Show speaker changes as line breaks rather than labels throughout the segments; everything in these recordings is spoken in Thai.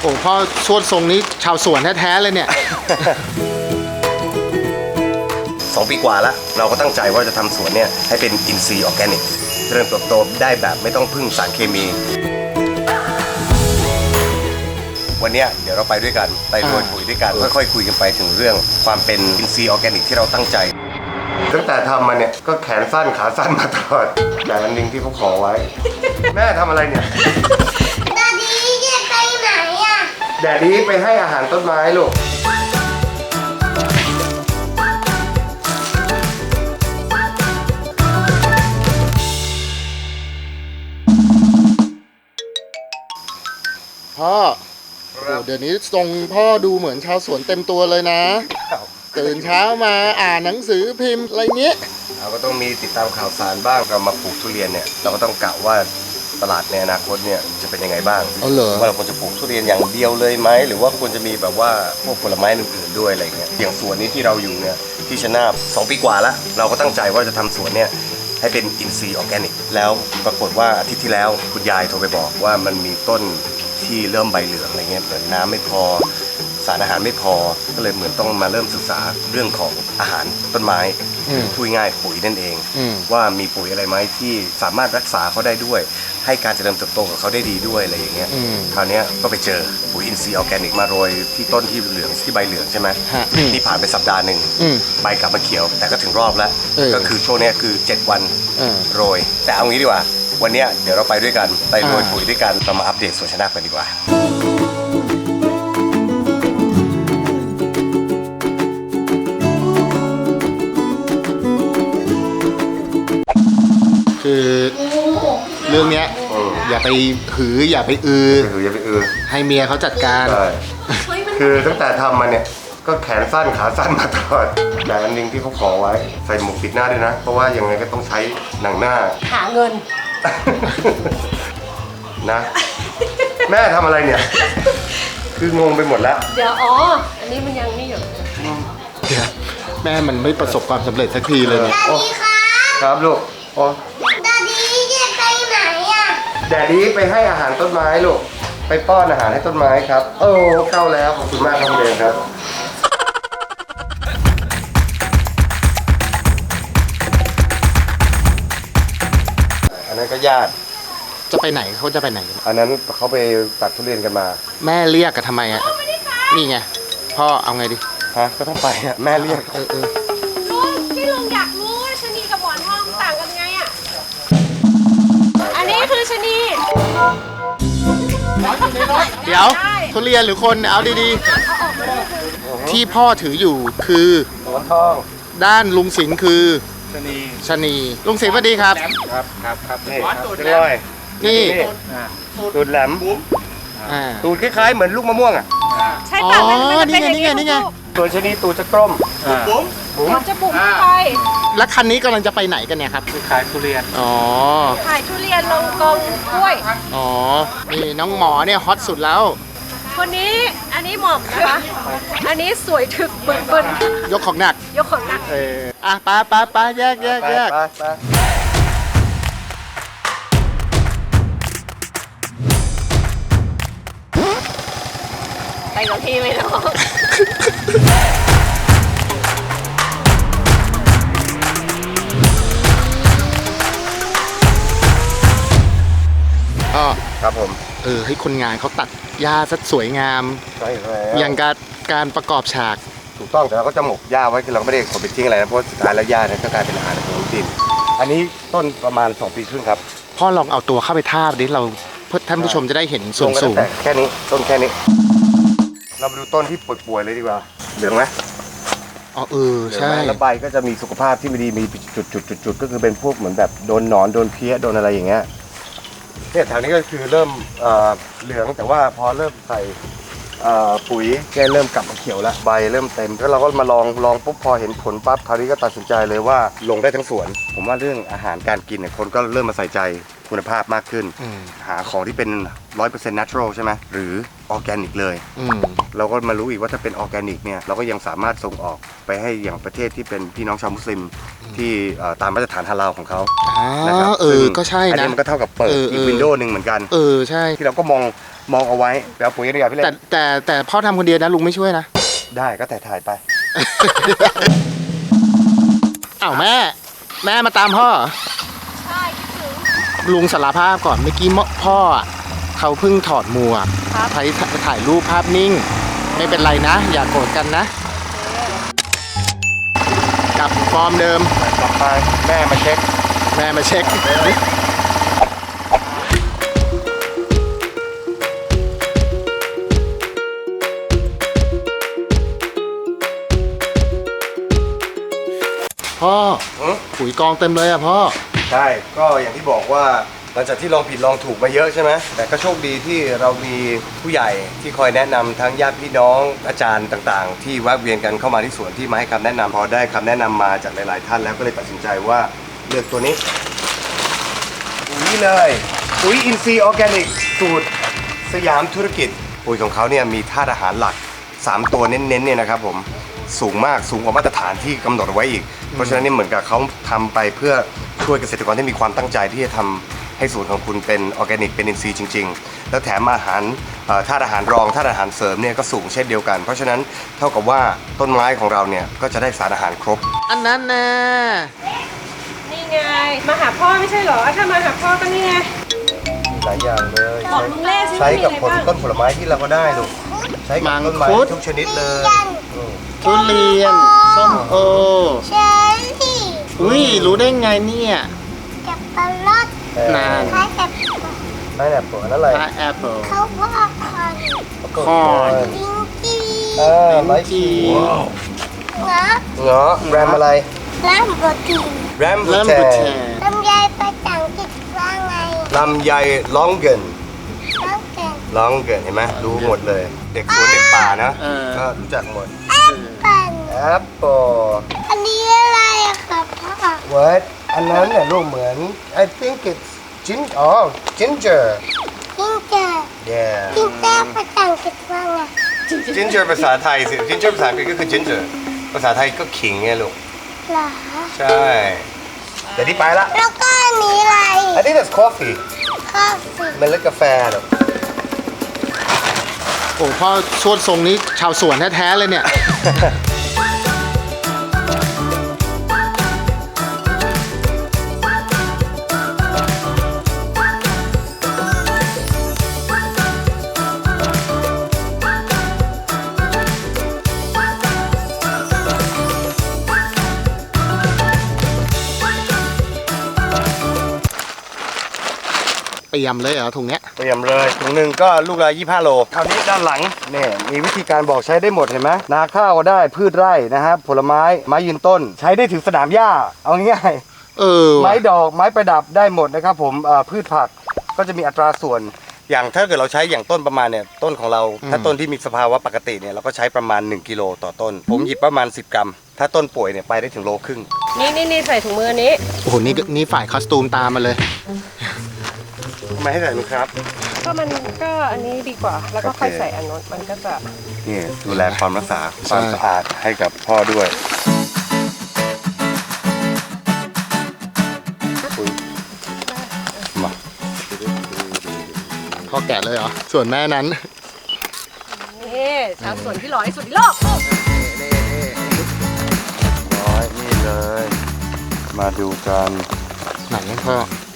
โอ้พ่อชวดทรงนี้ชาวสวนแท้ๆเลยเนี่ย
2 ปีกว่าแล้วเราก็ตั้งใจว่าจะทำสวนเนี่ยให้เป็นอินทรีย์ออร์แกนิกเริ่มเติบโตได้แบบไม่ต้องพึ่งสารเคมี วันนี้เดี๋ยวเราไปด้วยกันไปโรยปุ๋ยด้วยกันค่อยๆคุยกันไปถึงเรื่องความเป็นอินทรีย์ออร์แกนิกที่เราตั้งใจตั้งแต่ทำมาเนี่ยก็แขนสั้นขาสั้นมาตลอดแต่อันหนึ่งที่เขาขอไว้ แม่ทำอะไรเนี่ย
ดาดีจะไปไหนอ่ะ
แดดดี้ไปให้อาหารต้นไม้ลูก
พ่อเดี๋ยวนี้ทรงพ่อดูเหมือนชาวสวนเต็มตัวเลยนะ ตื่นเช้ามาอ่านหนังสือพิมพ์อะไรเงี้ย
เราก็ต้องมีติดตามข่าวสารบ้างเรามาปลูกทุเรียนเนี่ยเราก็ต้องกะว่าตลาดในอนาคตเนี่ยจะเป็นยังไงบ้างว่าเราควรจะปลูกทุเรียนอย่างเดียวเลยไหมหรือว่าควรจะมีแบบว่าพวกผลไม้อื่นๆด้วยอะไรเงี้ยอย่างสวนนี้ที่เราอยู่เนี่ยที่ชนาบ2 ปีกว่าแล้วเราก็ตั้งใจว่าจะทำสวนเนี่ยให้เป็นอินทรีย์ออร์แกนิกแล้วปรากฏว่าอาทิตย์ที่แล้วคุณยายโทรไปบอกว่ามันมีต้นที่เริ่มใบเหลืองอะไรเงี้ยเหมือนน้ำไม่พอสารอาหารไม่พอก็เลยเหมือนต้องมาเริ่มศึกษาเรื่องของอาหารต้นไม้พูดง่ายปุ๋ยนั่นเองว่ามีปุ๋ยอะไรไหมที่สามารถรักษาเขาได้ด้วยให้การเจริญเติบโตของเขาได้ดีด้วยอะไรอย่างเงี้ยคราวนี้ก็ไปเจอปุ๋ยอินทรีย์ออร์แกนิกมาโรยที่ต้นที่เหลืองที่ใบเหลืองใช่ไหมนี่ผ่านไปสัปดาห์หนึ่งใบกลับมาเขียวแต่ก็ถึงรอบแล้วก็คือช่วงนี้คือ7 วันโรยแต่เอางี้ดีกว่าวันนี้เดี๋ยวเราไปด้วยกันไปโรยปุ๋ยด้วยกันเรามาอัปเดตสวนชนาบกันดีกว่า
คือเรื่องเนี้ยอย่าไปหืออย่าไปให้เมียเขาจัดการ
คือตั้งแต่ทำมาเนี่ยก็แขนสั้นขาสั้นมาตลอดแต่อันหนึงที่เขาขอไว้ใส่หมวกปิดหน้าด้วยนะเพราะว่ายังไงก็ต้องใช้หนังหน้า
หาเงิน
นะแม่ทำอะไรเนี่ยคืองงไปหมดแล้ว
เดี๋ยวอันนี้มันยังนี่อยู่
แม่มันไม่ประสบความสำเร็จสักทีเลยเนี่ย
ครับลูก
ดาดีจะไปไหนอ่ะ
แดดดี้ไปให้อาหารต้นไม้ลูกไปป้อนอาหารให้ต้นไม้ครับเข้าแล้วขอบคุณมากครับเดนครับอันนั้นก็ญาติ
จะไปไหนเขาจะไปไหน
อันนั้นเขาไปตัดทุเรียนกันมา
แม่เรียกกันทำไมอ่ะนี่ไงพ่อเอาไงดิ
ก็ต้องไปอ่ะแม่เรียก
ลุงที่ลุงอยากรู้ว่าชะนีกับหมอนทองต่างกันไงอ่ะอันนี้คือชะนี
เดี๋ยวทุเรียนหรือคนเอาดีๆที่พ่อถืออยู่คือ
หมอนทอง
ด้านลุงสิงห์คือชะนีลุงสิงห์สวัสดีครับ
ครับนี่นี่ตูดแหลมตูดคล้ายๆเหมือนลูกมะม่วงอ่ะ
ใช่ค่ะ
นี่ไง
ตัวชะนีตูดจะกลม
มันจะบุ๋มไป
แล้วคันนี้กำลังจะไปไหนกันเนี่ยครับ
ขายทุเรียน
ขายทุเรียนลงกองกล้วย
นี่น้องหมอเนี่ยฮอตสุดแล้ว
คนนี้อันนี้หมอบนะคะอันนี้สวยถึกเบิ่น
ยกของหนักไปแยก
ไปกับพี่ไหมน้อง
ครับผม
ให้คนงานเขาตัดหญ้าซะสวยงาม
ใช่แล้ว
อย่างการประกอบฉาก
ถูกต้องแต่เราก็จะหมกหญ้าไว้คือเราไม่ได้ขนไปทิ้งอะไรนะเพราะสุดท้ายแล้วหญ้าเนี่ยก็กลายเป็นอาหารของดินอันนี้ต้นประมาณ2 ปีครึ่งครับ
พ่อลองเอาตัวเข้าไปทาบดิเราเพื่อท่านผู้ชมจะได้เห็นสูง
แค่นี้ต้นแค่นี้เรามาดูต้นที่ป่วยๆเลยดีกว่าเหลืองไหม
ใช่
แล้วใบก็จะมีสุขภาพที่ไม่ดีมีจุดก็คือเป็นพวกเหมือนแบบโดนหนอนโดนเพี้ยโดนอะไรอย่างเงี้ยเนี่ยแถวนี้ก็คือเริ่มเหลืองแต่ว่าพอเริ่มใส่ปุ๋ยแกเริ่มกลับมาเขียวแล้วใบเริ่มเต็มแล้วเราก็มาลองปุ๊บพอเห็นผลปั๊บคราวนี้ก็ตัดสินใจเลยว่าลงได้ทั้งสวนผมว่าเรื่องอาหารการกินเนี่ยคนก็เริ่มมาใส่ใจคุณภาพมากขึ้น หาของที่เป็น 100% natural ใช่ไหมหรือออร์แกนิกเลยเราก็มารู้อีกว่าถ้าเป็นออร์แกนิกเนี่ยเราก็ยังสามารถส่งออกไปให้อย่างประเทศที่เป็นพี่น้องชาวมุสลิมที่ตามมาตรฐานฮาลาลของเขานะครับ
ก็ใช่นะ
อันนี้มันก็เท่ากับเปิดอีกวินโดว์หนึ่งเหมือนกัน
ใช่
ที่เราก็มองเอาไว้แล้วปุ๋ยนี่พี่เล็ก
แต่พ่อทำคนเดียวนะลุงไม่ช่วยนะ
ได้ก็แต่ถ่ายไป
อ้าวแม่มาตามพ่อ
ใช่คิดถึง
ลุงสารภาพก่อนเมื่อกี้พ่อเขาเพิ่งถอดหมวกถ่ายรูปภาพนิ่งไม่เป็นไรนะอย่าโกรธกันนะกลับฟอร์มเดิม
กลับไปแม่มาเช็ค
พ่อปุ๋ยกองเต็มเลยอ่ะพ่อ
ใช่ก็อย่างที่บอกว่าหลังจากที่ลองผิดลองถูกมาเยอะใช่ไหมแต่ก็โชคดีที่เรามีผู้ใหญ่ที่คอยแนะนำทั้งญาติพี่น้องอาจารย์ต่างๆที่แวะเวียนกันเข้ามาที่สวนที่มาให้คำแนะนำพอได้คำแนะนำมาจากหลายๆท่านแล้วก็เลยตัดสินใจว่าเลือกตัวนี้ปุ๋ยเลยปุ๋ยอินทรีย์ออร์แกนิกสูตรสยามธุรกิจปุ๋ยของเขาเนี่ยมีธาตุอาหารหลัก3ตัวเน้นๆเนี่ยนะครับผมสูงมากสูงกว่ามาตรฐานที่กำหนดเอาไว้อีกเพราะฉะนั้นนี่เหมือนกับเขาทำไปเพื่อช่วยเกษตรกรที่มีความตั้งใจที่จะทำให้สวนของคุณเป็นออร์แกนิกเป็นอินทรีย์จริงๆแล้วแถมอาหารธาตุอาหารรองธาตุอาหารเสริมเนี่ยก็สูงเช่นเดียวกันเพราะฉะนั้นเท่ากับว่าต้นไม้ของเราเนี่ยก็จะได้สารอาหารครบ
อันนั้นนะ
นี่ไงมาหาพ่อไม่ใช่เหรอถ้ามาหาพ่อก็นี่ไง
หลายอย่างเลย
บอกลุงเล่
ใช้กับต้นผลไม้ที่เราก็ได้ลูกใช้กับต้นไม้ทุกชนิดเลย
ทุเรียนส้มโอเชอร์รี่อุ้ยรู้ได้ไงเนี่ย
กับปลาลด
นาน
ใช้กับ
ไม้แอปเปิลนั่นแหละ
แอปเปิล
เขาบอก
คอน
ลิงจี
ไม้จีเงาะแรมอะไร
แรมโบตี
แรมโบเท
ลำไยภาษาอังกฤษว่าไง
ลำไยลองเกินเห็นไหมรู้หมดเลยเด็กสวนเด็กป่านะก็รู้จักหมดแอปเปิล
อันนี้อะไรอะครับพ่อ
What อันนั้นเนี่ยลูกเหมือน I think it's ginger yeah
ginger ภาษาอังกฤษว่าไง
ginger ภาษาไทยสิ ginger ภาษาอังกฤษก็คือ ginger ภาษาไทยก็ขิงไงลูก
เหรอ
ใช่แต่ที่ไปละ
แล้วก็อันนี้อะไร
I think that's coffee เมล็ดกาแฟหรอ
โอ้พ่อชวดทรงนี้ชาวสวนแท้ๆเลยเนี่ยเตรียมเลยเหรอถุงเนี้ย
เตรียมเลยถุงหนึ่งก็ลูกละ25 โลคราวนี้ด้านหลังเนี่ยมีวิธีการบอกใช้ได้หมดเห็นไหมนาข้าวก็ได้พืชไร่นะครับผลไม้ยืนต้นใช้ได้ถึงสนามหญ้าเอาง่ายไม้ดอกไม้ประดับได้หมดนะครับผมพืชผักก็จะมีอัตราส่วนอย่างถ้าเกิดเราใช้อย่างต้นประมาณเนี่ยต้นของเราถ้าต้นที่มีสภาวะปกติเนี่ยเราก็ใช้ประมาณ1 กิโลต่อต้นผมหยิบประมาณ10 กรัมถ้าต้นป่วยเนี่ยไปได้ถึง1.5 โล
นี่ใส่ถุงมือนี้
โอ้โหนี่ฝ่ายคอสตูมตามมาเลย
ทำไมให้ใส่ลูกครับ
ก็มันก็อันนี้ดีกว่าแล้วก็ค่อยใส่อันนู้นมันก็จะ
นี่ดูแลความรักษาความสะอาดให้กับพ่อด้วยมา
พ่อแกะเลยเหรอส่วนแม่นั้น
นี่ชาวสวนที่หล่อที่สุดในโลก
นี่เลยมาดูกัน
ไหนพ่อ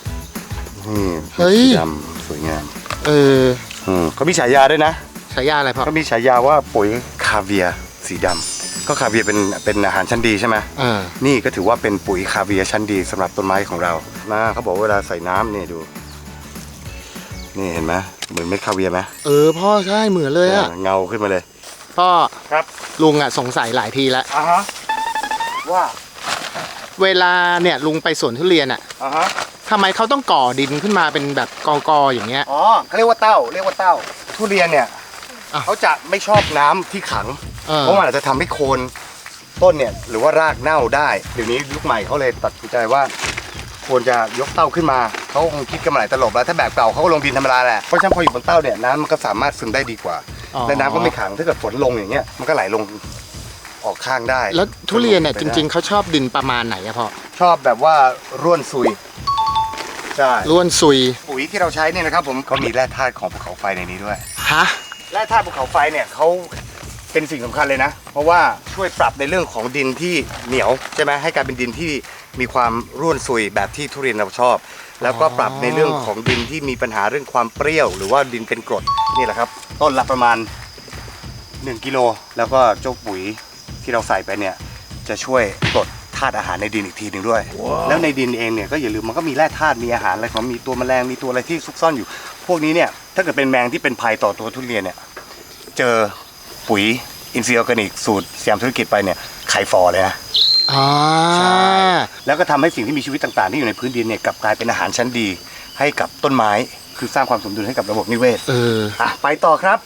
นี่ดำสวยงามเขามีฉายาด้วยนะ
ฉายาอะไรพ่อ
เขามีฉายาว่าปุ๋ยคาเวียสีดำก็คาเวียเป็นอาหารชั้นดีใช่ไหมนี่ก็ถือว่าเป็นปุ๋ยคาเวียชั้นดีสำหรับต้นไม้ของเรานะเขาบอกเวลาใส่น้ำนี่ดูนี่เห็นไหมเหมือนเม็ดคาเวียไหม
พ่อใช่เหมือนเลยอะ
เงาขึ้นมาเลย
พ่อ
ครับ
ลุงอะสงสัยหลายทีแล้ว
ว่า
เวลาเนี่ยลุงไปสวนทุเรียนอะทำไมเขาต้องก่อดินขึ้นมาเป็นแบบกออย่างเงี้ย
เขาเรียกว่าเต้าทุเรียนเนี่ยเขาจะไม่ชอบน้ำที่ขังเพราะมันอาจจะทำให้โคนต้นเนี่ยหรือว่ารากเน่าได้เดี๋ยวนี้ยุคใหม่เขาเลยตัดสินใจว่าควรจะยกเต้าขึ้นมาเขาคงคิดกันมาหลายตลบแล้วถ้าแบบเก่าเขาก็ลงดินธรรมดาแหละเพราะฉะนั้นพออยู่บนเต้าเนี่ยน้ำมันก็สามารถซึมได้ดีกว่า
อ๋อ
และน้ำก็ไม่ขังถ้าเกิดฝนลงอย่างเงี้ยมันก็ไหลลงออกข้างได้
แล้วทุเรียนเนี่ยจริงๆเขาชอบดินประมาณไหนอะพ่อ
ชอบแบบว่าร่วนซุยใช่
ล้วนซุย
ปุ๋ยที่เราใช้เนี่ยนะครับผมเขามีแร่ธาตุของภูเขาไฟในนี้ด้วย
ฮะ
แร่ธาตุภูเขาไฟเนี่ยเขาเป็นสิ่งสำคัญเลยนะ เพราะว่าช่วยปรับในเรื่องของดินที่เหนียวใช่ไหมให้กลายเป็นดินที่มีความร่วนซุยแบบที่ทุเรียนเราชอบ แล้วก็ปรับในเรื่องของดินที่มีปัญหาเรื่องความเปรี้ยว หรือว่าดินเป็นกรดนี่แหละครับต้นละประมาณ1 กิโลแล้วก็เจ้าปุ๋ยที่เราใส่ไปเนี่ยจะช่วยปลดธาตุอาหารในดินอีกทีหนึ่งด้วย แล้วในดินเองเนี่ยก็อย่าลืมมันก็มีแร่ธาตุมีอาหารอะไรของมีตัวแมลงมีตัวอะไรที่ซุกซ่อนอยู่ พวกนี้เนี่ยถ้าเกิดเป็นแมงที่เป็นภัยต่อตัวทุเรียนเนี่ยเจอปุ๋ยอินทรีย์ออร์แกนิกสูตรสยามธุรกิจไปเนี่ยไข่ฟอเลยนะ
อ่า
ใช่แล้วก็ทำให้สิ่งที่มีชีวิตต่างๆที่อยู่ในพื้นดินเนี่ยกลับกลายเป็นอาหารชั้นดีให้กับต้นไม้คือสร้างความสมดุลให้กับระบบนิเวศ ไปต่อครับ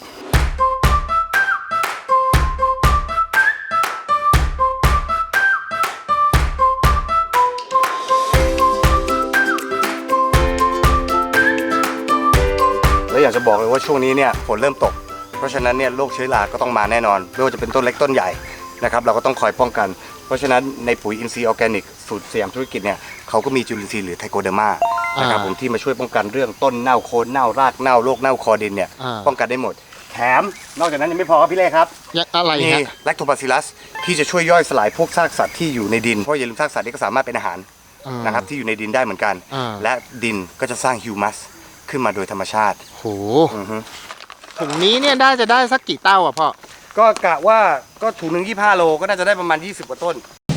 แล้วอยากจะบอกเลยว่าช่วงนี้เนี่ยฝนเริ่มตกเพราะฉะนั้นเนี่ยโรคเชื้อราก็ต้องมาแน่นอนไม่ว่าจะเป็นต้นเล็กต้นใหญ่นะครับเราก็ต้องคอยป้องกันเพราะฉะนั้นในปุ๋ยอินทรีย์ออร์แกนิกสูตรสยามธุรกิจเนี่ยเขาก็มีจุลินทรีย์หรือไทโคเดอร์มานะครับผมที่มาช่วยป้องกันเรื่องต้นเน่าโคนเน่ารากเน่าโรคเน่าคอดินเนี่ยป้องกันได้หมดแถมนอกจากนั้นยังไม่พอครับพี่เล่ครับ
อะไร
มี
ฮะ
แลคโตบาซิลลัสที่จะช่วยย่อยสลายพวกซากสัตว์ที่อยู่ในดินเพราะอย่าลืมซากสัตว์นี่ก็สามารถเป็นอาหารนะครับที่อยู่ในดินได้เหมือนกัน และดินก็จะสร้างฮิวมัสขึ้นมาโดยธรรมชาติ
โหถุงนี้เนี่ยจะได้สักกี่เต้าอ่ะพ่อ
ก็กะว่าก็ถุงหนึ่ง25 โลก็น่าจะได้ประมาณ20 กว่าต้น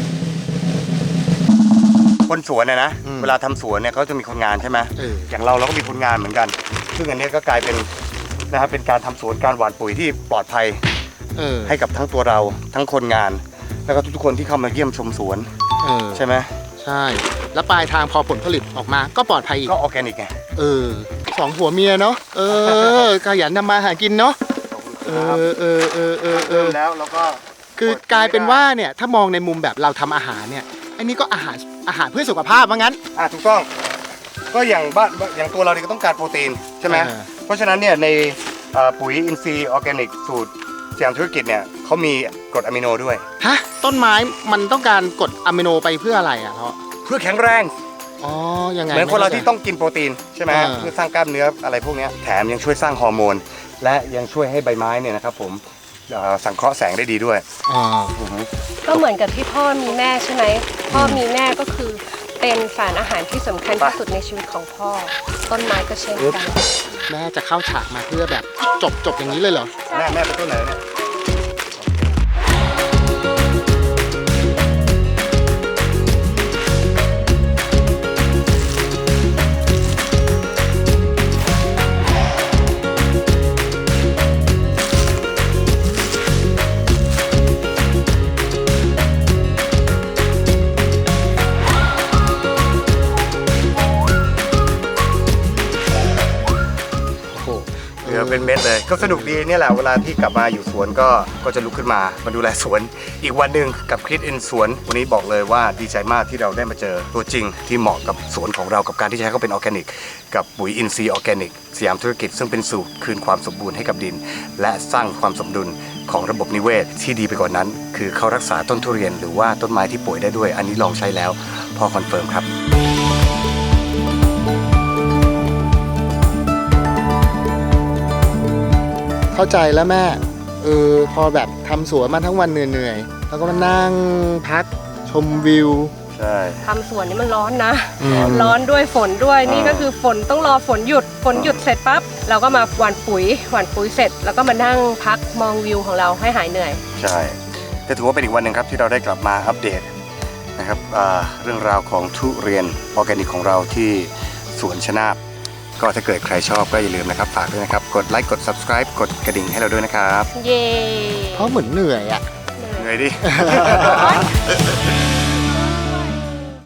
คนสวนนะเวลาทำสวนเนี่ยเขาจะมีคนงานใช่ไหมอย่างเราก็มีคนงานเหมือนกัน ซึ่งอันนี้ก็กลายเป็นนะครับเป็นการทำสวนการหว่านปุ๋ยที่ปลอดภัยให้กับทั้งตัวเราทั้งคนงาน แล้วก็ทุกๆคนที่เข้ามาเยี่ยมชมสวนใช่ไหม
ใช่ แล้วปลายทางพอผลผลิตออกมาก็ปลอดภัยอีก
ก็ออร์แกนิกไง
สองผัวเมียเนาะขยันทำมาหากินเนาะ
แล้วก็
คือกลายเป็นว่าเนี่ยถ้ามองในมุมแบบเราทำอาหารเนี่ยอันนี้ก็อาหารเพื่อสุขภาพว่างั้น
ถูกต้องก็อย่างตัวเราเนี่ยก็ต้องการโปรตีนใช่ไหมเพราะฉะนั้นเนี่ยในปุ๋ยอินทรีย์ออร์แกนิกสูตรสยามธุรกิจเนี่ยเขามีกรดอะมิโนด้วย
ฮะต้นไม้มันต้องการกรดอะมิโนไปเพื่ออะไรอ่ะเพราะ
เพื่อแข็งแรง
ยังไง
เหมือนคนเราที่ต้องกินโปรตีนใช่ไหมเพื่อสร้างกล้ามเนื้ออะไรพวกนี้แถมยังช่วยสร้างฮอร์โมนและยังช่วยให้ใบไม้เนี่ยนะครับผมสังเคราะห์แสงได้ดีด้วย
ก็เหมือนกับที่พ่อมีแม่ใช่ไหมพ่อมีแม่ก็คือเป็นสารอาหารที่สำคัญที่สุดในชีวิตของพ่อต้นไม้ก็เช่นกัน
แม่จะเข้าฉากมาเพื่อแบบจบอย่างนี้เลยเหรอ
แม่เป็นต้นไหนเนี่ยเป็นเม็ดเลยก็สนุกดีเนี่ยแหละเวลาที่กลับมาอยู่สวนก็จะลุกขึ้นมาดูแลสวนอีกวันหนึ่งกับคริสอินสวนวันนี้บอกเลยว่าดีใจมากที่เราได้มาเจอตัวจริงที่เหมาะกับสวนของเรากับการที่จะให้เขาเป็นออร์แกนิกกับปุ๋ยอินทรีย์ออร์แกนิกสยามธุรกิจซึ่งเป็นสูตรคืนความสมบูรณ์ให้กับดินและสร้างความสมดุลของระบบนิเวศที่ดีไปกว่านั้นคือเขารักษาต้นทุเรียนหรือว่าต้นไม้ที่ป่วยได้ด้วยอันนี้ลองใช้แล้วพอคอนเฟิร์มครับ
เข้าใจแล้วแม่พอแบบทำสวนมาทั้งวันเหนื่อยๆแล้วก็มานั่งพักชมวิว
ใช่
ทำสวนนี่มันร้อนนะร้อนด้วยฝนด้วยนี่ก็คือฝนต้องรอฝนหยุดเสร็จปั๊บเราก็มาหว่านปุ๋ยเสร็จแล้วก็มานั่งพักมองวิวของเราให้หายเหนื่อย
ใช่ก็ถือว่าเป็นอีกวันหนึ่งครับที่เราได้กลับมาอัปเดตนะครับเรื่องราวของทุเรียนออร์แกนิกของเราที่สวนชนาบก็ถ้าเกิดใครชอบก็อย่าลืมนะครับฝากด้วยนะครับกดไลค์กด subscribe กดกระดิ่งให้เราด้วยนะครับ
เย้
เพราะเหมือนเหนื่อย
เหนื่อยดิ